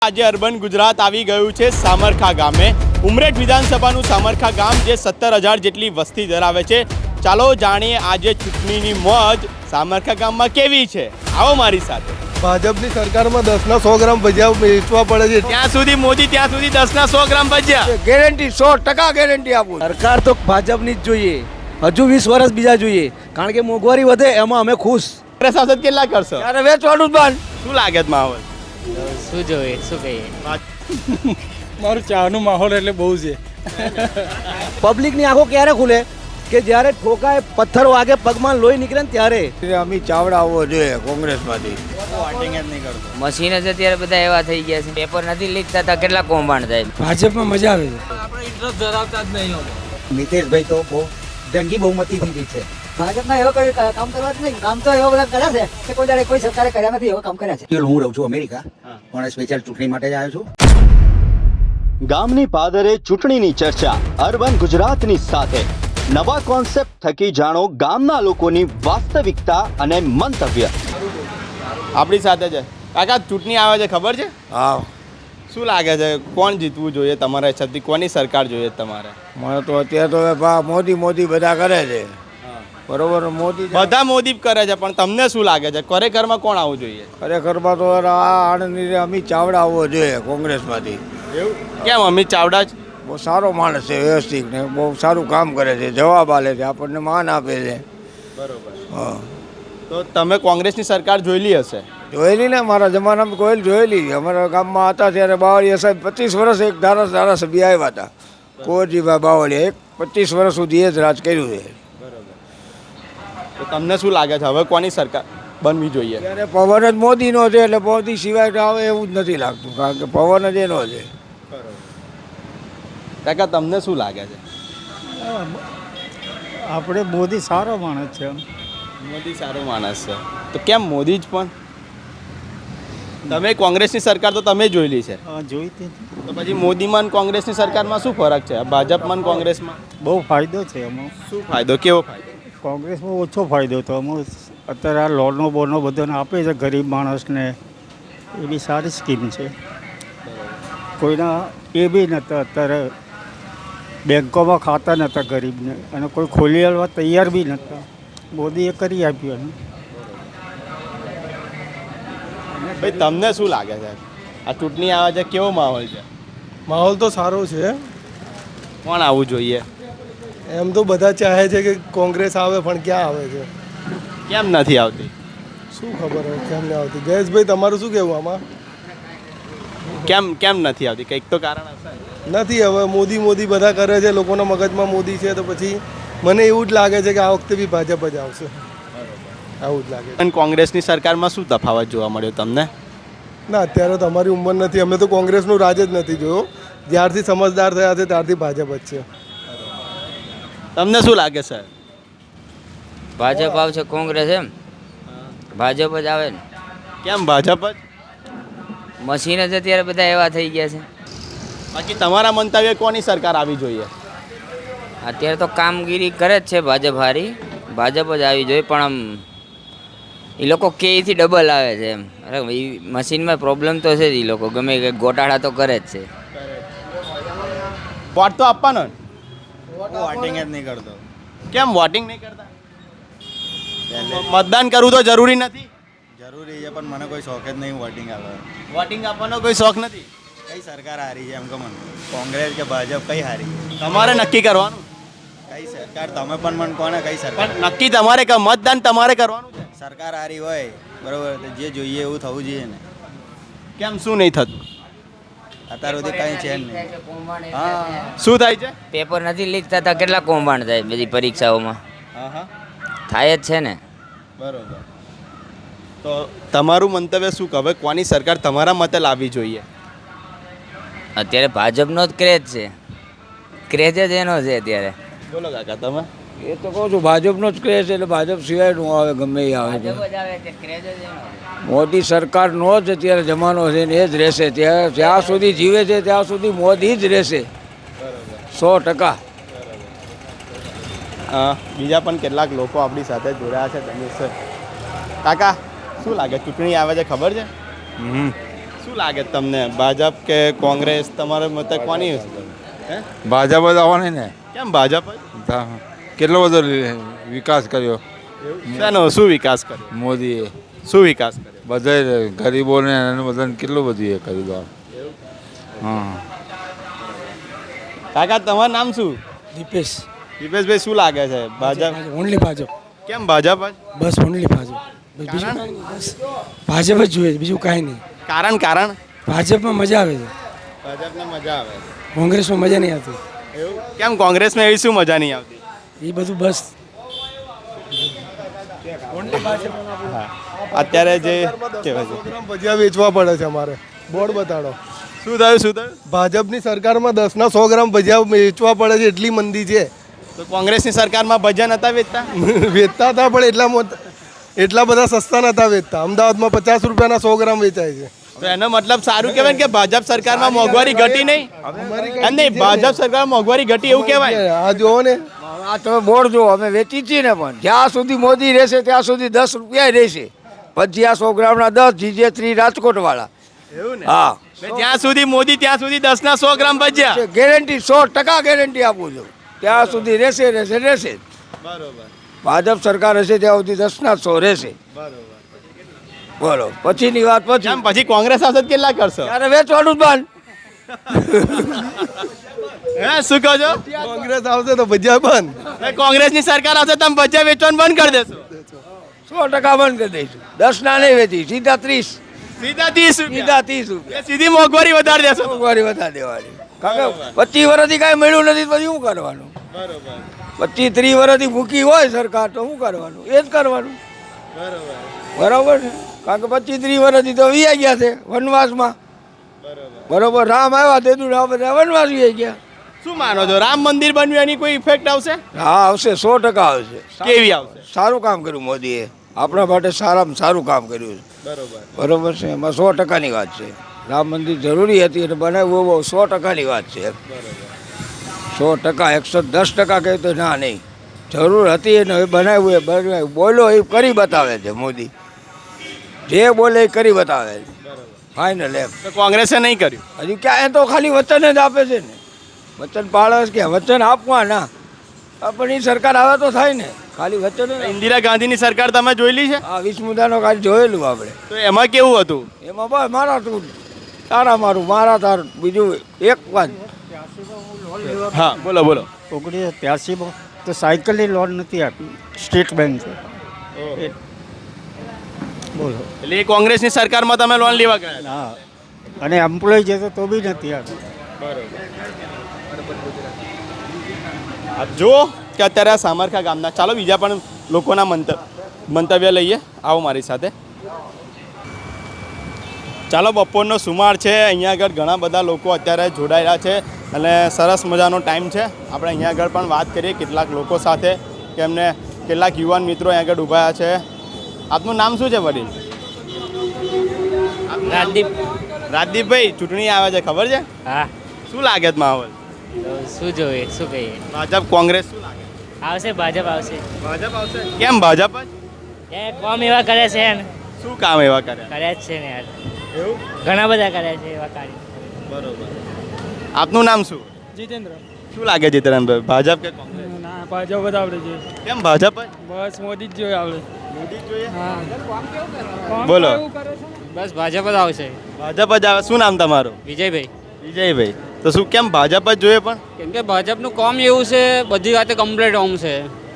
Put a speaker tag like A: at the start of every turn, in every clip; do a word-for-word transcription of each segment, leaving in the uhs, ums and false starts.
A: આજે અર્બન ગુજરાત આવી ગયું છે સામરખા ગામે. ઉમરેઠ વિધાનસભાનું સામરખા ગામ જે સત્તર હજાર જેટલી વસ્તી ધરાવે છે. ચાલો જાણીએ આજે ચૂંટણીની મોજ સામરખા ગામમાં કેવી છે. આવો મારી સાથે.
B: ભાજપની સરકારમાં દસના સો ગ્રામ ભજીયા વેચવા પડે છે.
A: ત્યાં સુધી મોદી ત્યાં સુધી દસના સો ગ્રામ ભજીયા.
B: ગેરંટી સો ટકા ગેરંટી આપું.
C: સરકાર તો ભાજપની જ જોઈએ. હજુ વીસ વર્ષ બીજા જોઈએ, કારણ કે મોંઘવારી વધે એમાં અમે ખુશ.
A: શાસન કેટલા કરશો?
B: ત્યારે વેચવાનું જ બંધ.
A: શું લાગે છે માહોલ?
D: શું જોઈએ શું કહીએ.
B: મારું ચાનું માહોલ એટલે બહુ છે.
C: પબ્લિકની આંખો ક્યારે ખુલે કે જ્યારે ઠોકાય, પથ્થર વાગે, પગમાં લોહી નીકળે ને ત્યારે.
B: અમિત ચાવડા આવવો જોઈએ કોંગ્રેસમાંથી.
D: મશીન જ અત્યારે બધા એવા થઈ ગયા છે, પેપર નથી લીક થતા, કેટલા કૌભાંડ થાય.
C: ભાજપમાં મજા આવે છે.
B: આપણે ઇન્ટરેસ્ટ ધરાવતા જ નહીં.
C: મિતેશભાઈ તો બહુ જંગી બહુમતી થઈ ગઈ છે.
E: ભાજપમાં એવો કોઈ કામ કરવા જ નહીં. કામ તો એવો બધા કર્યા છે કે કોઈ દાડે કોઈ સરકારે કર્યા નથી. એવો કામ કર્યા છે.
C: હું રહું છું અમેરિકા, પણ સ્પેશિયલ ચૂંટણી માટે જ આવ્યો છું.
F: ગામની પાદરે ચૂંટણીની ચર્ચા અર્બન ગુજરાતની સાથે. નવા કોન્સેપ્ટ થકી જાણો ગામના લોકોની વાસ્તવિકતા અને મંતવ્ય.
A: આપણી સાથે છે કાકા. ચૂંટણી આવે છે, ખબર છે?
B: હા.
A: શું લાગે છે કોણ જીતવું જોઈએ તમારા હિસાબથી? કોની સરકાર જોઈએ તમારે?
B: મને તો અત્યારે તો ભા મોદી મોદી બધા કરે છે. બરોબર, મોદી
A: બધા મોદી કરે છે, પણ તમને શું લાગે છે ખરેખરમાં કોણ આવવું જોઈએ?
B: ખરેખરમાં તો આ આણંદની અમિત ચાવડા આવવો જોઈએ કોંગ્રેસમાંથી.
A: એવું કેમ? અમિત ચાવડા જ
B: બહુ સારો માણસ છે, વ્યવસ્થિત ને બહુ સારું કામ કરે છે, જવાબ આલે છે, આપણને માન આપે છે.
A: બરોબર.
B: હા.
A: તો તમે કોંગ્રેસની સરકાર જોયેલી હશે?
B: જોયેલી ને, મારા જમાનામાં કોઈ જોયેલી. અમારા ગામમાં હતા ત્યારે બાવળીયા સાહેબ પચીસ વર્ષ એક ધારા ધારાસભ્ય આવ્યા હતા. કુંવરજીભાઈ બાવળીયા એક પચીસ વર્ષ સુધી એ જ રાજ કર્યું છે.
A: તો તમને શું લાગે છે હવે કોની સરકાર બનવી જોઈએ?
B: ત્યારે પવન જ મોદીનો છે, એટલે મોદી સિવાય આવે એવું જ નથી લાગતું, કારણ કે પવન જ એનો છે.
A: કાકા તમને શું લાગે છે?
G: આપણે મોદી સારો માણસ છે.
A: મોદી સારો માણસ છે, તો કેમ મોદી જ? પણ તમે કોંગ્રેસની સરકાર તો તમે જોયેલી છે,
G: જોઈ હતી.
A: તો પછી મોદીમાં અને કોંગ્રેસની સરકારમાં શું ફરક છે? ભાજપમાં અને કોંગ્રેસમાં
G: બહુ ફાયદો છે એમાં.
A: શું ફાયદો? કેવો ફાયદો?
G: કોંગ્રેસમાં ઓછો ફાયદો હતો. અમુક અત્યારે આ લોનો બોનો બધાને આપે છે ગરીબ માણસને, એ બી સારી સ્કીમ છે. કોઈના એ બી નહોતા, અત્યારે બેંકોમાં ખાતા નહોતા ગરીબને, અને કોઈ ખોલી આવવા તૈયાર બી નહોતા. મોદીએ કરી આપ્યું.
A: ભાઈ તમને શું લાગે છે આ ચૂંટણી આવે છે, કેવો માહોલ છે?
B: માહોલ તો સારો છે.
A: કોણ આવવું જોઈએ?
B: એમ તો બધા ચાહે છે કે કોંગ્રેસ આવે, પણ ક્યાં આવે છે?
A: કેમ નથી આવતી?
B: શું ખબર હોય કેમ નહીં આવતી? જયેશભાઈ, તમારું શું કહેવું આમાં?
A: કેમ કેમ નથી આવતી? કંઈક તો કારણ હશે.
B: નથી, હવે મોદી મોદી બધા કરે છે, લોકોના મગજમાં મોદી છે, તો પછી મને એવું જ લાગે છે કે આ વખતે બી ભાજપ જ આવશે. આવું જ લાગે છે.
A: અને કોંગ્રેસની સરકારમાં શું તફાવત જોવા મળ્યો તમને?
B: ના, અત્યારે તો અમારી ઉંમર નથી, અમે તો કોંગ્રેસનું રાજ જ નથી જોયો. જ્યારથી સમજદાર થયા છે ત્યારથી ભાજપ જ છે.
A: તમને શું લાગે સર?
D: ભાજપ આવશે કોંગ્રેસ? એમ ભાજપ જ આવે ને.
A: કેમ ભાજપ જ?
D: મશીન જ અત્યારે બધા એવા થઈ ગયા છે.
A: બાકી તમારા મંતવ્ય કોની સરકાર આવી જોઈએ?
D: અત્યારે તો કામગીરી કરે જ છે ભાજપ હારી. ભાજપ જ આવી જોઈએ, પણ આમ એ લોકો કેથી ડબલ આવે છે એમ. અરે એ મશીનમાં પ્રોબ્લેમ તો છે જ. એ લોકો ગમે કે ગોટાળા તો કરે જ છે.
A: વોટ તો આપવાનો ને?
H: વોટિંગ જ નહીં કરતો.
A: કેમ વોટિંગ નહીં કરતા? મતદાન કરવું તો જરૂરી નથી?
H: જરૂરી છે, પણ મને કોઈ શોખ જ નહીં વોટિંગ આપવા.
A: વોટિંગ આપવાનો કોઈ શોખ નથી?
H: કઈ સરકાર હારી છે એમ કે મને? કોંગ્રેસ કે ભાજપ કઈ હારી?
A: તમારે નક્કી કરવાનું.
H: કઈ સરકાર? તમે પણ મને કોને કઈ સરકાર?
A: પણ નક્કી તમારે કર, મતદાન તમારે કરવાનું છે.
H: સરકાર હારી હોય બરોબર, તો જે જોઈએ એવું થવું જોઈએ ને.
A: કેમ શું નહીં થતું?
H: અત્યાર સુધી કઈ છે જ નહીં. હા.
A: શું થાય છે?
D: પેપર નથી લીક થતા, કેટલા કૌભાંડ થાય બધી પરીક્ષાઓમાં.
A: હા હા,
D: થાય જ છે ને.
A: બરોબર. તો તમારું મંતવ્ય શું કહે? કોની સરકાર તમારા મતે લાવવી જોઈએ?
D: અત્યારે ભાજપનો જ ક્રેઝ છે. ક્રેઝ જ એનો છે અત્યારે.
A: બોલો કાકા તમે.
C: એ તો કહું છું, ભાજપનો જ ક્રેઝ, એટલે ભાજપ સિવાય નું આવે, ગમે એ આવે છે.
D: ભાજપ જ આવે છે, ક્રેઝ જ એનો છે.
C: મોદી સરકારનો જ અત્યારે જમાનો છે ને એ જ રહેશે. ત્યાં જ્યાં સુધી જીવે છે ત્યાં સુધી મોદી જ રહેશે, સો ટકા.
A: બીજા પણ કેટલાક લોકો આપણી સાથે જોડાયા છે. તમે કાકા શું લાગે ચૂંટણી આવે છે, ખબર છે? શું લાગે તમને ભાજપ કે કોંગ્રેસ તમારા મતે કોની હે
I: ભાજપ જ આવવાની ને
A: કેમ ભાજપ જ?
I: તા- કેટલો બધો વિકાસ કર્યો
A: શેનો શું વિકાસ કર્યો
I: મોદીએ
A: શું વિકાસ કર્યો
I: બધા ગરીબોને અને બધાને કેટલું બધું એ કર્યું હતું. હા
A: કાકા તમારું નામ શું
C: દીપેશ
A: દીપેશભાઈ શું લાગે છે ભાજપ
C: ઓનલી ભાજપ
A: કેમ ભાજપ જ?
C: બસ ઓનલી ભાજપ બીજું કાંઈ નહીં, બસ ભાજપ જ જોઈએ બીજું કાંઈ નહીં.
A: કારણ કારણ
C: ભાજપમાં મજા આવે છે,
A: ભાજપને મજા આવે
C: કોંગ્રેસમાં મજા નહીં આવતી.
A: એવું કેમ કોંગ્રેસમાં એવી શું મજા નહીં આવતી
C: એ બધું બસ
A: અત્યારે જે કહેવાય છે
J: ભજીયા વેચવા પડે છે અમારે બોર્ડ બતાડો
A: શું થયું શું થયું
J: ભાજપની સરકારમાં દસના સો ગ્રામ ભજીયા વેચવા પડે છે એટલી મંદી છે
A: તો કોંગ્રેસની સરકારમાં ભજન હતા વેચતા
J: વેચતા હતા પણ એટલા મોટ- એટલા બધા સસ્તા નતા વેચતા. અમદાવાદમાં પચાસ રૂપિયાના સો ગ્રામ વેચાય છે.
A: તો એનો મતલબ સારું કહેવાય ને કે ભાજપ સરકારમાં મોંઘવારી ઘટી નહીં એમ નહીં ભાજપ સરકારમાં મોંઘવારી ઘટી એવું કહેવાય
J: આ જુઓ ને
B: આ તમે બોર્ડ જુઓ અમે વેચી છીએ ને પણ જ્યાં સુધી મોદી રહેશે ત્યાં સુધી દસ રૂપિયા રહેશે પછી આ સો ગ્રામના દસ જીજે થ્રી રાજકોટવાળા
A: એવું ને
B: હા
A: જ્યાં સુધી મોદી ત્યાં સુધી દસ ના સો ગ્રામ ભજ્યા
B: ગેરંટી સો ટકા ગેરંટી આપું છું ત્યાં સુધી રહેશે રહેશે રહેશે
A: બરોબર
B: ભાજપ સરકાર હશે ત્યાં સુધી દસના સો રહેશે
A: બરોબર
B: બોલો પછીની વાત પછી
A: કેમ પછી કોંગ્રેસ આવશે તો કેટલા કરશો
B: ત્યારે વેચવાનું જ બંધ
A: હે શું કહો છો
J: કોંગ્રેસ આવશે તો ભજીયા બંધ.
A: એ કોંગ્રેસની સરકાર આવશે તમે ભજ્યા વેચવાનું બંધ કરી દેશો
B: સો ટકા બંધ કરી દઈશું દસ ના નહીં વેચી સીધા ત્રીસ
A: સીધા ત્રીસ રૂપિયા
B: સીધા ત્રીસ રૂપિયા
A: એ સીધી મોંઘવારી વધારી દેશો
B: મોંઘવારી વધારે દેવાની કારણ કે પચીસ વર્ષથી કાંઈ મળ્યું નથી તો પછી શું કરવાનું પચીસ ત્રીસ વર્ષથી ભૂખી હોય સરકાર તો શું કરવાનું એ જ કરવાનું બરાબર ને કારણ કે પચીસ ત્રીસ વર્ષથી તો વી ગયા છે વનવાસમાં બરોબર રામ આવ્યા તે દૂર બધા વનવાસ વી ગયા
A: શું માનો છો રામ મંદિર બન્યું એની કોઈ ઇફેક્ટ આવશે
B: હા આવશે સો ટકા આવશે
A: કેવી આવશે
B: સારું કામ કર્યું મોદીએ આપણા માટે સારામાં સારું કામ કર્યું છે
A: બરોબર
B: બરોબર છે એમાં સો ટકાની વાત છે રામ મંદિર જરૂરી હતી એટલે બનાવવું બહુ સો ટકાની વાત છે સો ટકા એકસો દસ ટકા કહે તો ના નહીં જરૂર હતી એને હવે બનાવ્યું એ બનાવ્યું બોલો એ કરી બતાવે છે મોદી જે બોલે એ કરી બતાવે છે ફાઇનલ એમ
A: તો કોંગ્રેસે નહીં કર્યું
B: હજી ક્યાં એ તો ખાલી વચન જ આપે છે ને વચન પાળે કે વચન આપવા ના પણ એ સરકાર આવે તો થાય ને ખાલી વચન જ.
A: ઇન્દિરા ગાંધીની સરકાર તમે જોયેલી છે
B: આ વીસ મુદ્દાનો ખાલી જોયેલું આપણે
A: તો એમાં કેવું હતું
B: એમાં બસ મારા તું તારા મારું મારા તારું બીજું એક વાત
A: હા બોલો બોલો
G: ઓગણીસો ત્યાસીમાં તો સાયકલની લોન નથી આપી સ્ટેટ બેંકે. એ- બોલો
A: એટલે એ કોંગ્રેસની સરકારમાં તમે લોન લેવા ગયા
G: હા અને એમ્પ્લોય છે તો તો બી નથી આપી.
A: આપ જુઓ કે અત્યારે આ સામરખા ગામના ચાલો બીજા પણ લોકોના મંત મંતવ્ય લઈએ આવો મારી સાથે ચાલો બપોરનો સુમાર છે અહીંયા આગળ ઘણા બધા લોકો અત્યારે જોડાયેલા છે અને સરસ મજાનો ટાઈમ છે આપણે અહીંયા આગળ પણ વાત કરીએ કેટલાક લોકો સાથે કે એમને કેટલાક યુવાન મિત્રો અહીંયા આગળ ઊભા છે આપનું નામ શું છે વડીલ
K: રાજદીપ
A: રાજદીપભાઈ ચૂંટણી આવે છે ખબર છે
K: હા
A: શું લાગે છે માહોલ
K: શું જોઈએ શું કહીએ
A: ભાજપ કોંગ્રેસ શું લાગે
K: આવશે ભાજપ આવશે
A: ભાજપ આવશે કેમ ભાજપ જ
K: એ કોમ એવા કરે છે ને
A: શું કામ એવા કર્યા
K: કર્યા જ છે ને યાર
A: એવું
K: ઘણા બધા કર્યા છે એવા કાર્ય
A: બરોબર આપનું નામ શું
K: જીતેન્દ્ર
A: શું લાગે જીતેન્દ્રભાઈ ભાજપ કે કોંગ્રેસ
K: ના ભાજપ જ આવડે છે
A: કેમ ભાજપ જ
K: બસ મોદી જ જોઈએ આવડે
A: મોદી જ જોઈએ
K: હા
A: બોલો
K: બસ ભાજપ જ આવશે
A: ભાજપ જ આવે શું નામ તમારું
K: વિજયભાઈ
A: વિજયભાઈ તો શું કેમ ભાજપ જ જોઈએ પણ
K: કેમ કે ભાજપનું કામ એવું છે બધી વાતે કમ્પ્લીટ હોમ છે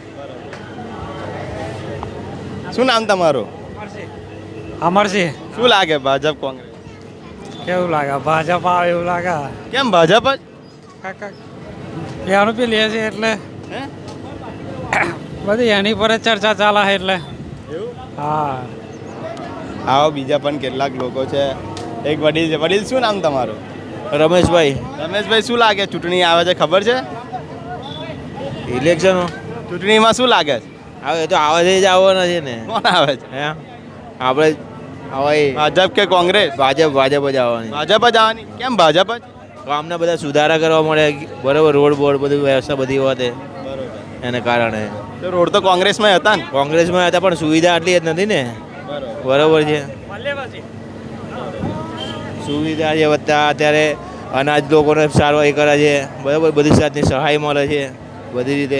A: શું નામ તમારું
K: અમરસિંહ
A: શું લાગે ભાજપ કોંગ્રેસ
K: કેવું લાગે ભાજપ આવે એવું લાગે
A: કેમ ભાજપ જ
K: કાકા બે રૂપિયા લે છે એટલે
A: હે
K: બધી એની પર જ ચર્ચા ચાલે છે એટલે હા
A: આવો બીજા પણ કેટલાક લોકો છે એક વડીલ છે વડીલ શું નામ તમારું
H: રમેશભાઈ
A: રમેશભાઈ શું લાગે ચૂંટણી આવે છે ખબર છે
H: ઇલેક્શન
A: ચૂંટણીમાં શું લાગે છે
H: આવે તો આવે છે જ આવવાના છે ને
A: કોણ આવે છે
H: હે આપણે આવે
A: ભાજપ કે કોંગ્રેસ
H: ભાજપ ભાજપ જ આવવાની
A: ભાજપ જ આવવાની કેમ ભાજપ જ
H: ગામના બધા સુધારા કરવા મળે બરોબર રોડ બોર્ડ બધું વ્યવસ્થા બધી હોતે એને કારણે
A: તો રોડ તો કોંગ્રેસમાં હતા ને
H: કોંગ્રેસમાં હતા પણ સુવિધા આટલી જ નથી ને બરોબર છે સુવિધા છે વધતા, અત્યારે અનાજ લોકોને સારું એ કરે છે, બરાબર, બધી જાતની સહાય મળે છે બધી રીતે.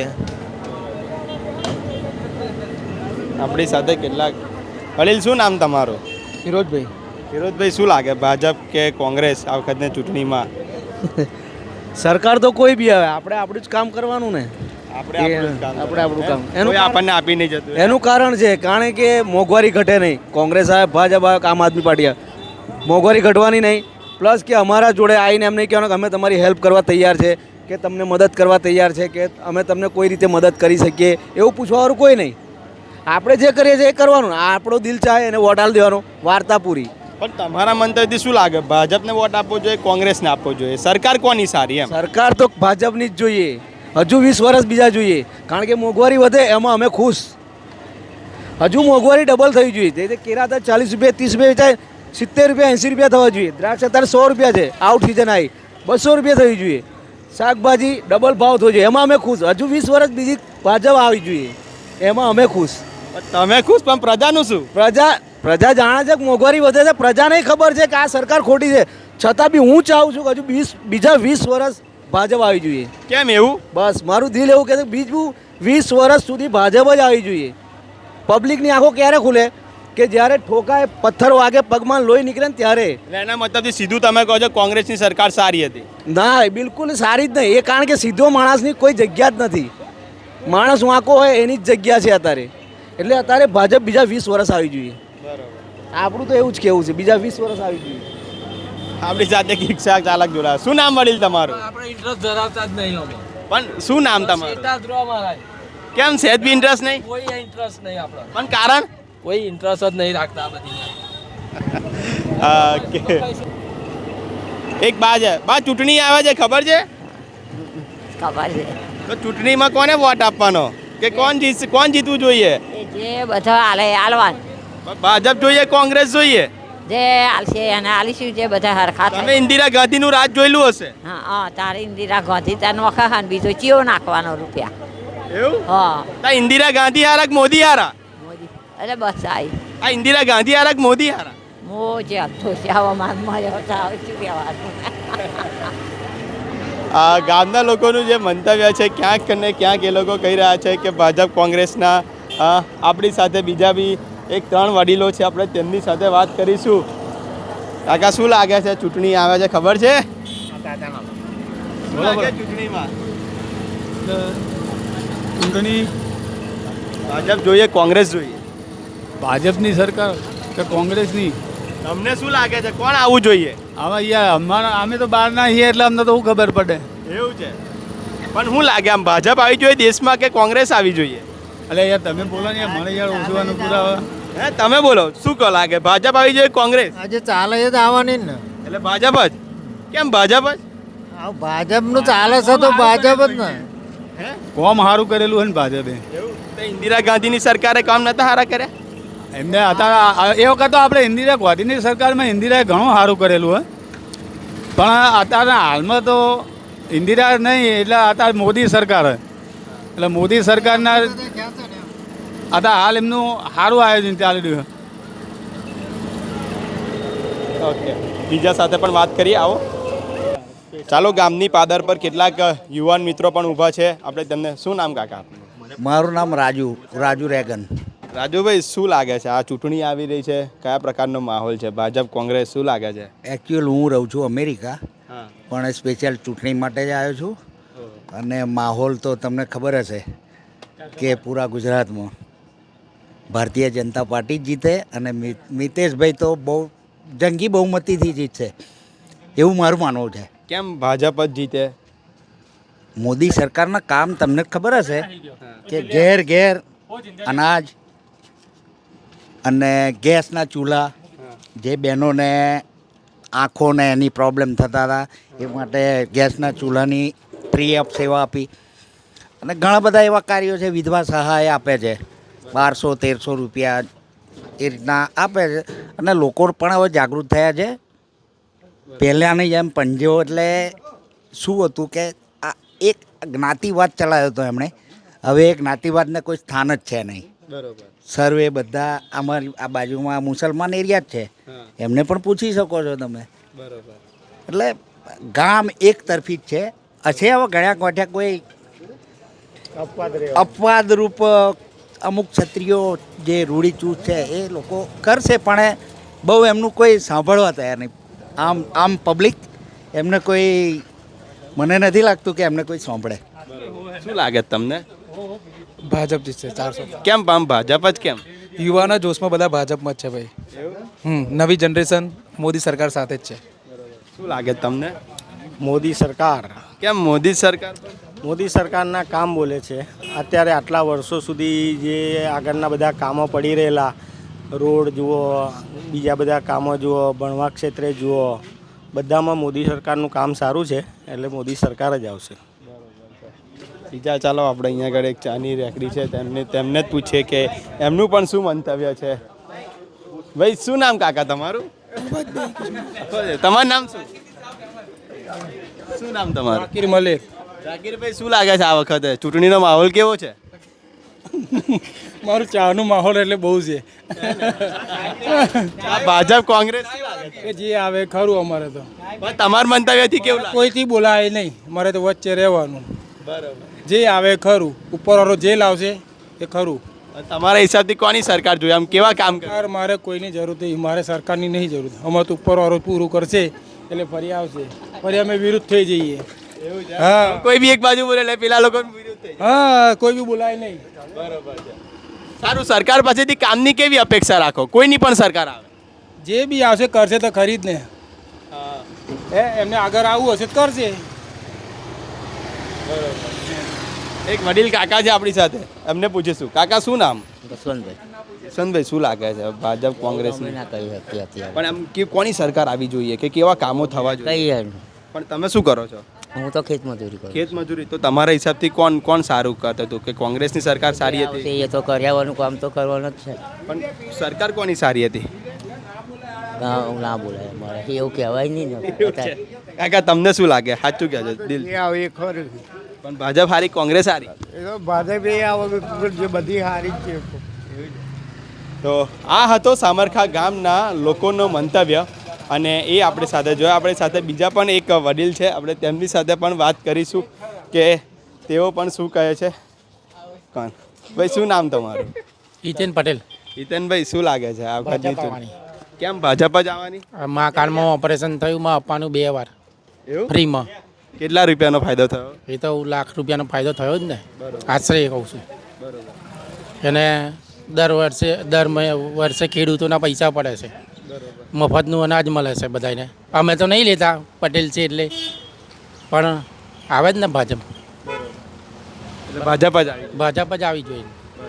A: આપણી સાથે કેટલાક વડીલ, શું નામ તમારું?
C: ફિરોજભાઈ.
A: ફિરોજભાઈ, શું લાગે ભાજપ કે કોંગ્રેસ આ વખતની ચૂંટણીમાં?
C: સરકાર તો કોઈ બી આવે, આપણે આપણું જ કામ કરવાનું ને.
A: આપણે આપણું કામ
C: આપણે આપણું કામ.
A: એનું આપણને આપી નહીં જતું.
C: એનું કારણ છે કારણ કે મોંઘવારી ઘટે નહીં. કોંગ્રેસ આવે, ભાજપ આવે, આમ આદમી પાર્ટી આવે, મોંઘવારી ઘટવાની નહીં. પ્લસ કે અમારા જોડે આવીને એમ નહીં કહેવાનું કે અમે તમારી હેલ્પ કરવા તૈયાર છે, કે તમને મદદ કરવા તૈયાર છે, કે અમે તમને કોઈ રીતે મદદ કરી શકીએ, એવું પૂછવાવાળું કોઈ નહીં. આપણે જે કરીએ છીએ એ કરવાનું. આપણો દિલ ચાહે એને વોટ આલી દેવાનો, વાર્તા પૂરી.
A: પણ તમારા મંતવ્યથી શું લાગે, ભાજપને વોટ આપવો જોઈએ, કોંગ્રેસને આપવો જોઈએ? સરકાર કોની સારી એમ?
C: સરકાર તો ભાજપની જ જોઈએ. હજુ વીસ વર્ષ બીજા જોઈએ, કારણ કે મોંઘવારી વધે એમાં અમે ખુશ. હજુ મોંઘવારી ડબલ થઈ જોઈએ. તે કેરા હતા ચાલીસ રૂપિયા ત્રીસ રૂપિયા વેચાય, સિત્તેર રૂપિયા એંસી રૂપિયા થવા જોઈએ. દ્રાક્ષ અત્યારે સો રૂપિયા છે, આઉટ સિઝન આવી બસો રૂપિયા થવી જોઈએ. શાકભાજી ડબલ ભાવ થવો જોઈએ, એમાં અમે ખુશ. હજુ વીસ વર્ષ બીજી ભાજપ આવી જોઈએ, એમાં અમે ખુશ.
A: તમે ખુશ, પણ પ્રજાનું શું?
C: પ્રજા પ્રજા જાણે છે કે મોંઘવારી વધે છે, પ્રજાને ખબર છે કે આ સરકાર ખોટી છે, છતાં બી હું ચાહું છું કે હજુ વીસ બીજા વીસ વર્ષ ભાજપ આવી જોઈએ.
A: કેમ એવું?
C: બસ મારું દિલ એવું કહે છે બીજું વીસ વર્ષ સુધી ભાજપ જ આવી જોઈએ. પબ્લિકની આંખો ક્યારે ખુલે કે જ્યારે ઠોકાય, પથ્થર વાગે, પગમાં લોહી નીકળે ને ત્યારે.
A: એના મતલબથી સીધું તમે કહો છો કોંગ્રેસની સરકાર સારી હતી?
C: ના, બિલકુલ સારી જ નહીં. એ કારણ કે સીધો માણસની કોઈ જગ્યા જ નથી. માણસ વાંકો હોય એની જ જગ્યા છે અત્યારે. એટલે અત્યારે ભાજપ બીજા વીસ વર્ષ આવી જોઈએ. આપણું તો એવું જ કેવું છે, બીજા વીસ વર્ષ આવી જોઈએ.
A: આપણી સાથે રિક્ષા ચાલક જોડાયા. શું નામ વડીલ તમારું?
K: આપણે ઇન્ટરેસ્ટ ધરાવતા જ નહીં અમે.
A: પણ શું નામ તમારું?
K: સીધા જ રહો મહારાજ.
A: કેમ સહેજ બી ઇન્ટરેસ્ટ નહીં?
K: કોઈ ઇન્ટરેસ્ટ નહીં આપણો.
A: પણ કારણ?
K: કોઈ ઇન્ટરેસ્ટ જ નહીં રાખતા આ બધી.
A: ઓકે. એક બા છે, બા ચૂંટણી આવે છે, ખબર છે?
L: ખબર છે.
A: તો ચૂંટણીમાં કોને વોટ આપવાનો, કે કોણ જીત કોણ જીતવું જોઈએ?
L: જે બધા હાલે હાલવાન.
A: ભાજપ જોઈએ, કોંગ્રેસ જોઈએ?
L: જે હાલશે એને હાલીશું, જે બધા હરખા થાય.
A: તમે ઇન્દિરા ગાંધીનું રાજ જોયેલું હશે.
L: હા હા, તારે ઇન્દિરા ગાંધી તાર નોખા ખાન બીજો ચિયો નાખવાનો રૂપિયા.
A: એવું?
L: હા.
A: તા ઇન્દિરા ગાંધી હારા કે મોદી હારા?
L: મોદી. અરે બસ આઈ.
A: આ ઇન્દિરા ગાંધી હારા કે મોદી હારા?
L: મોજે તો હવામાન માં આવે શું કહેવાનું.
A: આ ગામના લોકોનું જે મંતવ્ય છે, ક્યાંક ને ક્યાંક એ લોકો કહી રહ્યા છે કે ભાજપ કોંગ્રેસના. આપણી સાથે બીજા બી એક ત્રણ વડીલો છે, આપણે તેમની સાથે વાત કરીશું. કાકા, શું લાગે છે, ચૂંટણી આવે છે, ખબર છે? શું લાગે ચૂંટણીમાં?
G: ચૂંટણી
A: ભાજપ જોઈએ, કોંગ્રેસ જોઈએ?
G: ભાજપની સરકાર કે કોંગ્રેસની?
A: તમને શું લાગે છે, કોણ આવવું જોઈએ?
G: આમાં યાર અમારા અમે તો બહાર ના છીએ એટલે અમને તો શું ખબર પડે.
A: એવું છે? પણ શું લાગે, આમ ભાજપ આવી જોઈએ દેશમાં કે કોંગ્રેસ આવી જોઈએ?
G: એટલે યાર તમે બોલો ને, મને યાર ઓછવાનું પુરાવા.
A: હે, તમે બોલો, શું કહો લાગે, ભાજપ આવી જોઈએ, કોંગ્રેસ?
E: આજે ચાલે છે તો આવવાની ને.
A: એટલે ભાજપ જ. કેમ ભાજપ જ?
E: ભાજપનું ચાલે છે તો ભાજપ જ ને.
A: હે,
G: કોમ સારું કરેલું હોય ને ભાજપે.
A: એવું? તો ઇન્દિરા ગાંધીની સરકારે કામ નતા સારા કર્યા?
G: એમને અત્યારે એ વખત તો આપણે ઇન્દિરા ગાંધીની સરકારમાં ઇન્દિરાએ ઘણું સારું કરેલું હોય, પણ અત્યારે હાલમાં તો ઇન્દિરા નહીં, એટલે અત્યારે મોદી સરકાર. એટલે મોદી સરકારના અત્યારે હાલ એમનું સારું આયોજન ચાલી રહ્યું.
A: ઓકે, બીજા સાથે પણ વાત કરીએ, આવો. ચાલો, ગામની પાદર પર કેટલાક યુવાન મિત્રો પણ ઊભા છે, આપણે તેમને. શું નામ કાકા?
C: મારું નામ રાજુ રાજુ રેગન.
A: રાજુભાઈ, શું લાગે છે, આ ચૂંટણી આવી રહી છે, કયા પ્રકારનો માહોલ છે, ભાજપ કોંગ્રેસ, શું લાગે છે?
C: એકચ્યુઅલ હું રહું છું અમેરિકા,
A: હા,
C: પણ સ્પેશિયલ ચૂંટણી માટે જ આવ્યો છું. અને માહોલ તો તમને ખબર હશે કે પૂરા ગુજરાતમાં ભારતીય જનતા પાર્ટી જ જીતે, અને મિતેશભાઈ તો બહુ જંગી બહુમતીથી જીતશે એવું મારું માનવું છે.
A: કેમ ભાજપ જ જીતે?
C: મોદી સરકારના કામ તમને ખબર હશે કે ઘેર ઘેર અનાજ અને ગેસના ચૂલા, જે બહેનોને આંખોને એની પ્રોબ્લેમ થતા હતા એ માટે ગેસના ચૂલાની ફ્રી ઓફ સેવા આપી. અને ઘણા બધા એવા કાર્યો છે, વિધવા સહાય આપે છે, બારસો તેરસો રૂપિયા એ રીતના આપે છે. અને લોકો પણ હવે જાગૃત થયા છે. પહેલાંની જેમ પંજો એટલે શું હતું કે આ એક જ્ઞાતિવાદ ચલાવ્યો હતો એમણે, હવે એ જ્ઞાતિવાદને કોઈ સ્થાન જ છે નહીં.
A: બરોબર.
C: સર્વે બધા અમારી આ બાજુમાં મુસલમાન એરિયા જ છે, એમને પણ પૂછી શકો છો તમે.
A: બરોબર.
C: એટલે ગામ એક તરફી જ છે. હશે હવે ઘણા ગોઠ્યા કોઈ અપવાદરૂપ અમુક ક્ષત્રિયો જે રૂઢિચૂત છે એ લોકો કરશે, પણ બહુ એમનું કોઈ સાંભળવા તૈયાર નહીં. આમ આમ પબ્લિક એમને કોઈ, મને નથી લાગતું કે એમને કોઈ સાંભળે.
A: શું લાગે તમને?
K: ભાજપ જીતશે ચારસો.
A: કેમ આમ ભાજપ જ કેમ?
K: યુવાના જોશમાં બધા ભાજપમાં જ છે ભાઈ. હમ નવી જનરેશન મોદી સરકાર સાથે જ છે.
A: શું લાગે તમને?
G: મોદી સરકાર
A: કેમ મોદી સરકાર?
G: મોદી સરકારના કામ બોલે છે. અત્યારે આટલા વર્ષો સુધી જે આગળના બધા કામો પડી રહેલા, રોડ જુઓ, બીજા બધા કામો જુઓ, ભણવા ક્ષેત્રે જુઓ, બધામાં મોદી સરકારનું કામ સારું છે, એટલે મોદી સરકાર જ આવશે.
A: બીજા ચાલો આપણે અહીંયા આગળ એક ચાની રેકડી છે, તેમને તેમને જ પૂછીએ કે એમનું પણ શું મંતવ્ય છે. ભાઈ શું નામ કાકા તમારું? તમારું નામ શું? શું નામ તમારું?
K: જાકીર મલેક.
A: જાકીરભાઈ શું લાગે છે આ વખતે ચૂંટણીનો માહોલ કેવો છે?
K: મારું ચાનું માહોલ એટલે બહુ છે.
A: આ ભાજપ કોંગ્રેસ
K: કે જે આવે ખરું અમારે તો.
A: પણ તમારા મંતવ્યથી કેવું લાગે?
K: કોઈથી બોલાય નહીં, મારે તો વચ્ચે રહેવાનું.
A: બરોબર.
K: જે આવે ખરું, ઉપરવાળો જે લાવશે એ ખરું.
A: તમારા હિસાબથી કોની સરકાર જોઈએ? આમ કેવા કામ કરે?
K: સરકાર મારે કોઈની જરૂર નહીં, મારે સરકારની નહીં જરૂર. અમારે તો ઉપરવાળો પૂરું કરશે એટલે ફરી આવશે, ફરી અમે વિરુદ્ધ થઈ જઈએ. હા,
A: કોઈ બી એક બાજુ બોલે એટલે પેલા લોકો વિરુદ્ધ થઈ જાય.
K: હા, કોઈ બી બોલાય નહીં.
A: બરોબર છે. સારું, સરકાર પાસેથી કામની કેવી અપેક્ષા રાખો? કોઈની પણ સરકાર આવે,
K: જે બી આવશે કરશે તો ખરી જ ને. એ એમને આગળ આવવું હશે તો કરશે.
A: એક વડીલ કાકા છે આપણી સાથે, એમને પૂછીશું. કાકા શું નામ?
D: જસવંતભાઈ.
A: જસવંતભાઈ શું લાગે છે ભાજપ કોંગ્રેસ?
D: ના કહી શકીએ અત્યારે.
A: પણ એમ કે કોની સરકાર આવી જોઈએ કે કેવા કામો થવા જોઈએ?
D: કઈ
A: પણ તમે શું કરો છો?
D: હું તો ખેત મજૂરી કરું.
A: ખેત મજૂરી. તો તમારા હિસાબથી કોણ કોણ સારું કરતું હતું? કે કોંગ્રેસની સરકાર સારી હતી?
D: એ તો કર્યાવાનું કામ તો કરવાનું જ છે.
A: પણ સરકાર કોની સારી હતી?
D: ગામ ના બોલાય અમારે, એવું કહેવાય નહીં ને.
A: કાકા તમને શું લાગે? સાચું કહેજો દિલ.
G: આવે એ ખરું.
A: પણ ભાજપ સારી કોંગ્રેસ સારી?
G: એ તો ભાજપ એ આ જે બધી હારી જ છે.
A: તો આ હતો સામરખા ગામના લોકોનો મંતવ્ય, અને એ આપણી સાથે જોયા. આપણી સાથે બીજા પણ એક વડીલ છે, આપણે તેમની સાથે પણ વાત કરીશું કે તેઓ પણ શું કહે છે. કોણ ભાઈ, શું નામ તમારું?
K: હિતેન પટેલ.
A: હિતેનભાઈ શું લાગે છે આ વખતની? કેમ ભાજપ જ આવવાની?
K: મા કાર્ડમાં ઓપરેશન થયું, માં આપવાનું બે વાર
A: એવું?
K: ફ્રીમાં.
A: કેટલા રૂપિયાનો ફાયદો થયો?
K: એ તો લાખ રૂપિયાનો ફાયદો થયો જ ને, આશરે કહું છું. એને દર વર્ષે દર વર્ષે ખેડૂતોના પૈસા પડે છે, મફતનું અનાજ મળે છે બધાને. અમે તો નહીં લેતા, પટેલ છે એટલે, પણ આવે જ ને ભાજપ.
A: ભાજપ જ આવી.
K: ભાજપ જ આવી જોઈએ.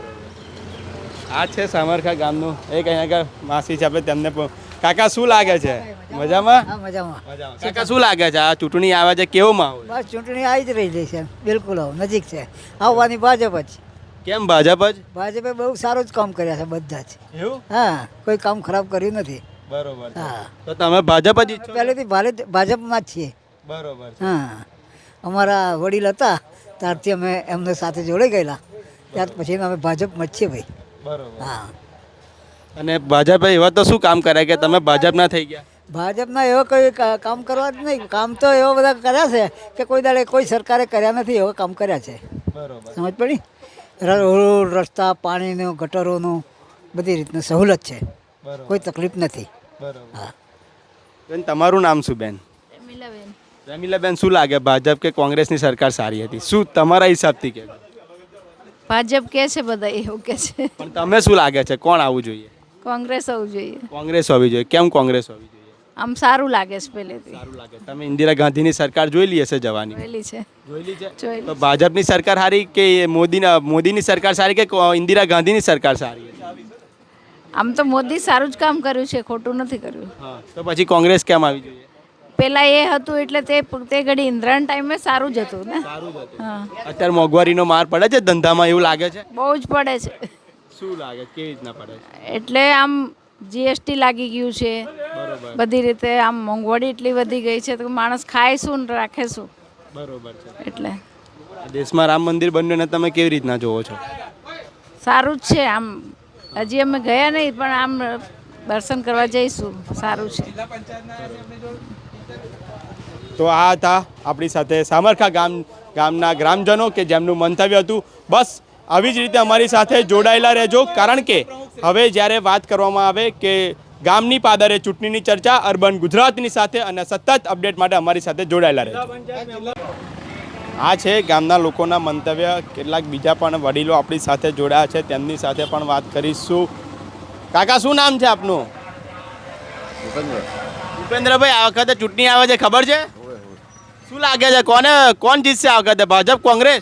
A: આ છે સામરખા ગામનું એક અહીંયા આગળ માસી છે, આપણે તેમને પણ. કાકા શું લાગે છે? મજામાં?
E: હા, મજામાં.
A: કાકા શું લાગે છે આ ચૂંટણી આવે છે, કેવો માહોલ?
E: બસ ચૂંટણી આવી જ રહી છે, બિલકુલ હવે નજીક છે. આવવાની ભાજપ જ.
A: કેમ ભાજપ જ?
E: ભાજપે બહુ સારું જ કામ કર્યા છે બધા જ.
A: એવું?
E: હા, કોઈ કામ ખરાબ કર્યું નથી.
A: બરોબર.
E: હા,
A: તો તમે ભાજપ જ ઈચ્છો?
E: પહેલેથી ભારે ભાજપમાં જ છીએ.
A: બરોબર.
E: હા, અમારા વડીલ હતા ત્યારથી અમે એમને સાથે જોડે ગયેલા, ત્યાર પછી અમે ભાજપમાં જ છીએ ભાઈ.
A: બરોબર.
E: હા,
A: અને ભાજપે એવા તો શું કામ કર્યા કે તમે ભાજપના થઈ ગયા?
E: ભાજપના એવા કોઈ કા- કામ કરવા જ નહીં. કામ તો એવા બધા કર્યા છે કે કોઈ દાડે કોઈ સરકારે કર્યા નથી, એવા કામ કર્યા છે.
A: બરોબર.
E: સમજ પડી? રોડ રસ્તા, પાણીનું, ગટરોનું, બધી રીતનું સહુલત છે, કોઈ તકલીફ નથી.
A: બરોબર.
E: હા.
A: બેન તમારું નામ શું બેન?
L: રમીલાબેન.
A: રમીલાબેન શું લાગે ભાજપ કે કોંગ્રેસની સરકાર સારી હતી? શું તમારા હિસાબથી કે?
L: ભાજપ કે છે બધા એવું કે છે.
A: પણ તમે શું લાગે છે કોણ આવવું જોઈએ?
L: કોંગ્રેસ આવવું જોઈએ.
A: કોંગ્રેસ હોવી જોઈએ. કેમ કોંગ્રેસ હોવી જોઈએ?
L: આમ સારું લાગે છે પહેલેથી.
A: સારું લાગે. તમે ઇન્દિરા ગાંધીની સરકાર જોઈ લી હશે જવાની?
L: જોયેલી છે.
A: જોયેલી છે.
L: જોયેલી.
A: તો ભાજપની સરકાર સારી કે મોદીના મોદીની સરકાર સારી કે કો- ઇન્દિરા ગાંધીની સરકાર સારી?
L: આમ તો મોદી સારું જ કામ કર્યું છે, ખોટું નથી કર્યું.
A: હા. તો પછી કોંગ્રેસ કેમ આવી જોઈએ?
L: પેલા એ હતું એટલે તે તે ઘડી ઇન્દ્રાણ ટાઈમે સારું જ હતું ને. હા,
A: અત્યારે મોંઘવારીનો માર પડે છે ધંધામાં એવું લાગે છે?
L: બહુ જ પડે છે.
A: શું લાગે કેવી રીતના પડે છે?
L: એટલે આમ જીએસટી લાગી ગયું છે,
A: બરોબર.
L: બધી રીતે આમ મોંઘવારી એટલી વધી ગઈ છે તો માણસ ખાય શું ને રાખે શું.
A: બરોબર છે.
L: એટલે
A: આ દેશમાં રામ મંદિર બન્યું ને તમે કેવી રીતના જોવો છો?
L: સારું જ છે. આમ હજી અમે ગયા નહીં પણ આમ દર્શન કરવા જઈશું, સારું છે.
A: તો આ હતા આપણી સાથે સામરખા ગામ ગામના ગ્રામજનો કે જેમનું મંતવ્ય હતું. બસ આવી જ રીતે અમારી સાથે જોડાયેલા રહેજો, કારણ કે હવે જ્યારે વાત કરવામાં આવે કે ગામની પાદરે ચૂંટણીની ચર્ચા અર્બન ગુજરાતની સાથે, અને સતત અપડેટ માટે અમારી સાથે જોડાયેલા રહેજો. આ છે ગામના લોકોના મંતવ્ય. કેટલાક બીજા પણ વડીલો આપણી સાથે જોડાયા છે, તેમની સાથે પણ વાત કરીશું. કાકા, શું નામ છે આપનું? ભૂપેન્દ્રભાઈ, આ વખતે ચૂંટણી આવે છે, ખબર છે? શું લાગે છે, કોને કોણ જીતશે આ વખતે, ભાજપ કોંગ્રેસ?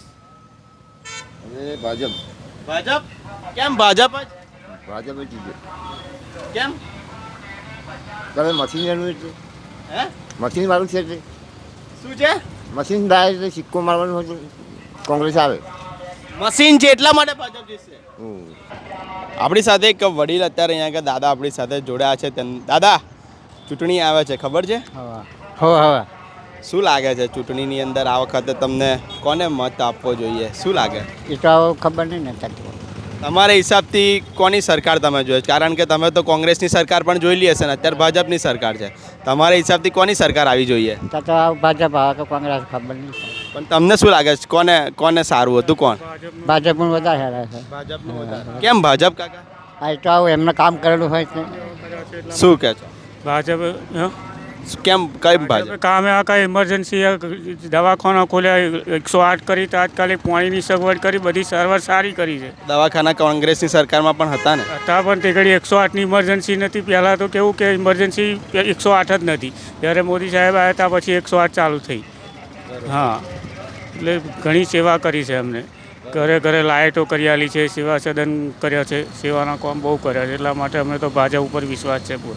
M: ભાજપ.
A: ભાજપ? કેમ ભાજપ જ?
M: ભાજપ જ જીતે.
A: કેમ?
M: તમે મશીન એનું છે,
A: હે
M: મશીન વાળું છે તે.
A: શું છે?
M: મશીન ડાય એટલે સિક્કો મારવાનું હોય તો કોંગ્રેસ આવે.
A: મશીન છે એટલા માટે ભાજપ જીતશે.
M: હમ.
A: આપણી સાથે એક વડીલ અત્યારે અહીંયા આગળ દાદા આપણી સાથે જોડાયા છે. તેમ દાદા, ચૂંટણી આવે છે, ખબર છે?
C: હો હવે
A: શું લાગે છે ચૂંટણીની અંદર આ વખતે તમને કોને મત આપવો જોઈએ? શું લાગે?
C: એ તો ખબર નહીં ને.
A: તમારા હિસાબથી કોની સરકાર તમે જોઈએ? કારણ કે તમે તો કોંગ્રેસની સરકાર પણ જોઈ લી હશે ને, અત્યારે ભાજપની સરકાર છે. તમારા હિસાબથી કોની સરકાર આવી જોઈએ?
C: તો ભાજપ આવે કે કોંગ્રેસ ખબર નહીં.
A: પણ તમને શું લાગે છે, કોને કોને સારું હતું? કોણ?
C: ભાજપ પણ વધારે સારા છે.
A: ભાજપનું વધારે. કેમ ભાજપ કાકા?
C: આ તો આવું એમને કામ કરેલું હોય છે.
A: શું કહે છો?
K: ભાજપ
A: કેમ કઈ ભાજપ?
K: કામે આ કાંઈ ઇમરજન્સી દવાખાના ખોલ્યા, એકસો આઠ કરી, તાત્કાલિક પાણીની સગવડ કરી, બધી સારવાર સારી કરી છે.
A: દવાખાના કોંગ્રેસની સરકારમાં પણ હતા ને?
K: હતા, પણ તે ઘડી એકસો આઠની ઇમરજન્સી નથી. પહેલાં તો કેવું કે ઇમરજન્સી એકસો આઠ જ નથી. જ્યારે મોદી સાહેબ આવ્યા હતા પછી એકસો આઠ ચાલુ થઈ. હા, એટલે ઘણી સેવા કરી છે એમને. ઘરે ઘરે લાઇટો કરી આલી છે, સેવા સદન કર્યા છે, સેવાના કામ બહુ કર્યા છે. એટલા માટે અમે તો ભાજપ ઉપર વિશ્વાસ છે પૂરો.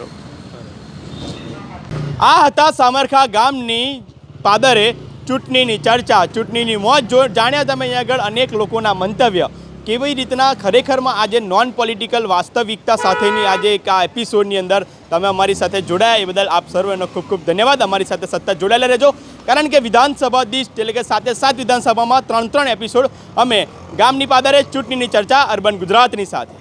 A: આ હતા સામરખા ગામની પાદરે ચૂંટણીની ચર્ચા, ચૂંટણીની મોજ. જો જાણ્યા તમે અહીંયા આગળ અનેક લોકોના મંતવ્ય, કેવી રીતના ખરેખરમાં આજે નોન પોલિટિકલ વાસ્તવિકતા સાથેની આજે એક આ એપિસોડની અંદર તમે અમારી સાથે જોડાયા, એ બદલ આપ સર્વેનો ખૂબ ખૂબ ધન્યવાદ. અમારી સાથે સતત જોડાયેલા રહેજો, કારણ કે વિધાનસભા દીઠ એટલે કે સાથે સાત વિધાનસભામાં ત્રણ ત્રણ એપિસોડ અમે ગામની પાદરે ચૂંટણીની ચર્ચા અર્બન ગુજરાતની સાથે.